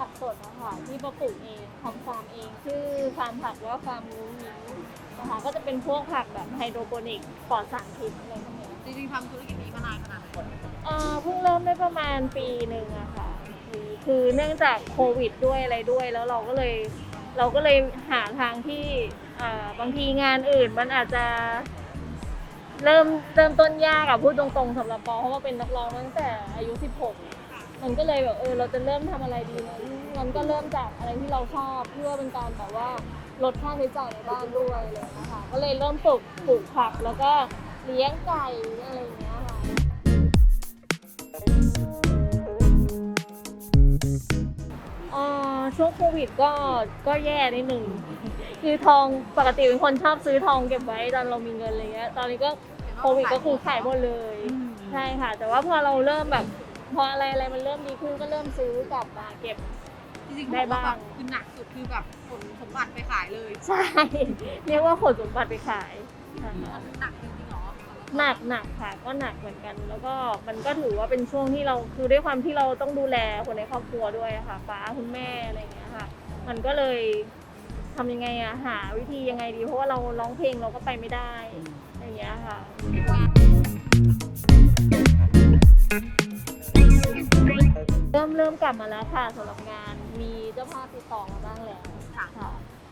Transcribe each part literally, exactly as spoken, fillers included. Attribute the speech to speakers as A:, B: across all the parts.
A: ผักสดนะคะที่ปอปลูกเองทำฟาร์มเองชื่อฟาร์มผักว่าฟาร์มรู้นิ้วนะคะก็จะเป็นพวกผักแบบไฮโดรโปนิกปลอดสารพิษอะไรพวกนี้
B: จริงๆทำธุรกิจนี้มานานขนาดไหน
A: เอ่อเพิ่งเริ่มได้ประมาณปีหนึ่งอะค่ะคือคือเนื่องจากโควิดด้วยอะไรด้วยแล้วเราก็เลยเราก็เลยหาทางที่อ่าบางทีงานอื่นมันอาจจะเริ่มเริ่มต้นยากอะพูดตรงๆสำหรับปอเพราะว่าเป็นนักร้องตั้งแต่อายุสิบหกมันก็เลยแบบเออเราจะเริ่มทำอะไรดีนะมันก็เริ่มจากอะไรที่เราชอบเพื่อเป็นการแบบว่าลดค่าใช้จ่ายในบ้านด้วยอะไรอย่างเลยนะคะก็เลยเริ่มปลูกปลูกผักแล้วก็เลี้ยงไก่อะไรอย่างเงี้ยค่ะ เอ่อช่วงโควิดก็ก็แย่นิดหนึ่งคือทองปกติเป็นคนชอบซื้อทองเก็บไว้ตอนเรามีเงินอะไรเงี้ยตอนนี้ก็โควิดก็คือขายหมดเลยใช่ค่ะแต่ว่าพอเราเริ่มแบบพออะไรอะไรมันเริ่มดีขึ้นก็เริ่มซื้อกลับมาเก็บ
B: จริงๆได้บ้างคือหนักสุดคือแบบขนสมบัติไปขายเลย
A: ใช่เรียกว่าขนสมบัติไปขายนะคะ
B: หนักจริงๆเหรอ
A: หนักหนักค่ะก็หนักเหมือนกัน แล้วก็มันก็ถือว่าเป็นช่วงที่เราคือด้วยความที่เราต้องดูแลคนในครอบครัวด้วยอะค่ะป้าคุณแม่อะไรอย่างเงี้ยค่ะ มันก็เลยทำยังไงอะหาวิธียังไงดี เพราะว่าเราร้องเพลงเราก็ไปไม่ได้อย่างเงี้ยค่ะเริ่มเริ่มกลับมาแล้วค่ะสำหรับงานมีเจ้าภาพติดต่อมาบ้างแล้วค่ะ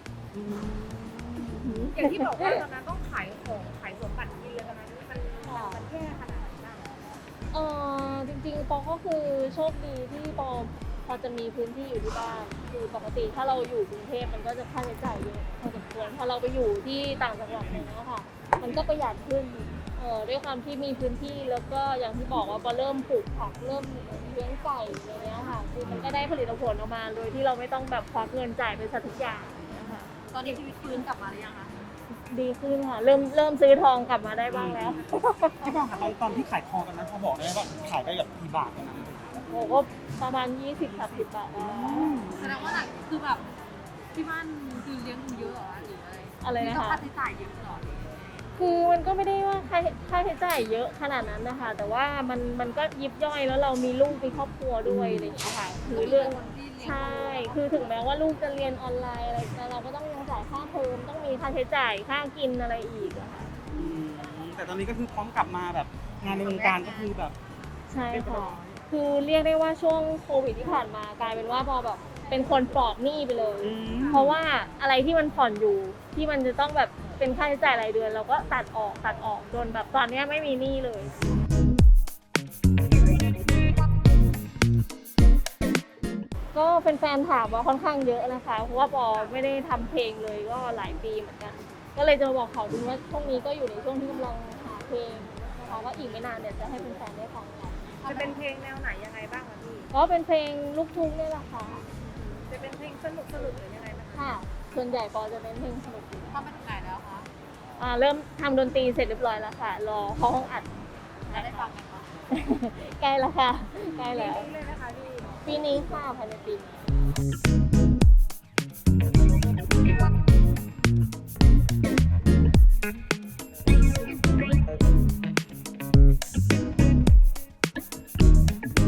B: อย่างที่บอกว่าตอนนั้นต้องขายของขายสวนบัตรกินเลยตอนนั้นมันมันแย่ขนาดไหนบ้าง
A: เออจริงๆปอก็คือโชคดีที่ปอพอจะมีพื้นที่อยู่ที่บ้านคือปกติถ้าเราอยู่กรุงเทพมันก็จะค่าใช้จ่ายเยอะพอสมควรพอเราไปอยู่ที่ต่างจังหวัดเนี่ยนะคะมันก็ประหยัดขึ้นเออด้วยความที่มีพื้นที่แล้วก็อย่างที่บอกว่าพอเริ่มปลูกผักเริ่มเลี้ยงไก่อะไรเงี้ยค่ะคือมันก็ได้ผลิตผลออกมาโดยที่เราไม่ต้องแบบควักเงินจ่ายไปซะทุกอย่างนะคะ
B: ตอนนี้ชีวิตฟื้นกลับมาหรือยังคะ
A: ดีขึ้นค่ะเริ่มเริ่มซื้อทองกลับมาได้บ้างแล้ว
C: พี่บองค่ะตอนตอนที่ขายทองกันนั้นเขาบอกได้ไหมว่าขายได้แบบกี่บาทกันนะ
A: โอ้ก็ประมาณยี่สิบสามสิบบาทได้
B: แสดงว่าหนักคือแบบที่บ้านคือเลี้ยงดูเยอะเหรอหรืออะไร
A: อะไร
B: มี
A: นะ
B: ต้อง
A: คะ
B: ค่าใช้จ่ายเยอะเหรอ
A: คือมันก็ไม่ได้ว่าค่าค่าใช้จ่ายเยอะขนาดนั้นนะคะ แต่ว่ามันมันก็ยิบย่อยแล้วเรามีลูกมีครอบครัวด้วยอะไรอย่างเงี้ยค่ะคือเรื่อง
B: คนที่เลี้ยง
A: ใช่ คือถึงแม้ว่าลูกจะเรียนออนไลน์อะไรแต่เราก็ต้องยังจ่ายค่าเทอมต้องมีค่าใช้จ่ายค่ากินอะไรอีกอะค่ะ
C: อืมแต่ตอนนี้ก็คือพร้อมกลับมาแบบงานในวงการก็คือแบบ
A: ใช่ค่ะ คือเรียกได้ว่าช่วงโควิดที่ผ่านมากลายเป็นว่าพอแบบเป็นคนปลอดหนี้ไปเลย เพราะว่าอะไรที่มันผ่อนอยู่ที่มันจะต้องแบบเป็นค่าใช้จ่ายรายเดือนเราก็ตัดออกตัดออกจนแบบตอนนี้ไม่มีหนี้เลย ก็แฟนๆถามว่าค่อนข้างเยอะนะคะเพราะว่าปอไม่ได้ทำเพลงเลยก็หลายปีเหมือนกัน ก็เลยจะมาบอกเขาดูว่าช่วงนี้ก็อยู่ในช่วงที่กำลังหาเพลงนะคะว่าอีกไม่นานเดี๋ยวจะให้แฟนๆได้ฟังกัน
B: จะเป็นเพลงแนวไหนยังไงบ้างคะพี่
A: ก็เป็นเพลงลูกทุ่งนี่แหละค่ะ
B: จะเป็นเพลงสนุกสนุกหรือยังไงบ้างคะ
A: ค่ะ ส่วนใหญ่ปอจะเป็นเพลงสนุก
B: ทำไปถึงไหนแล้วคะ
A: อ่าเริ่มทำดนตรีเสร็จเรียบร้อยแล้วค่ะ รอเข้าห้องอัด
B: จะได้ฟังกันคะ
A: ใกล้แล้วค่ะใกล้แล้ว
B: นี่เลยนะคะพี่
A: ปีนี้ค่ะภายในปีนี้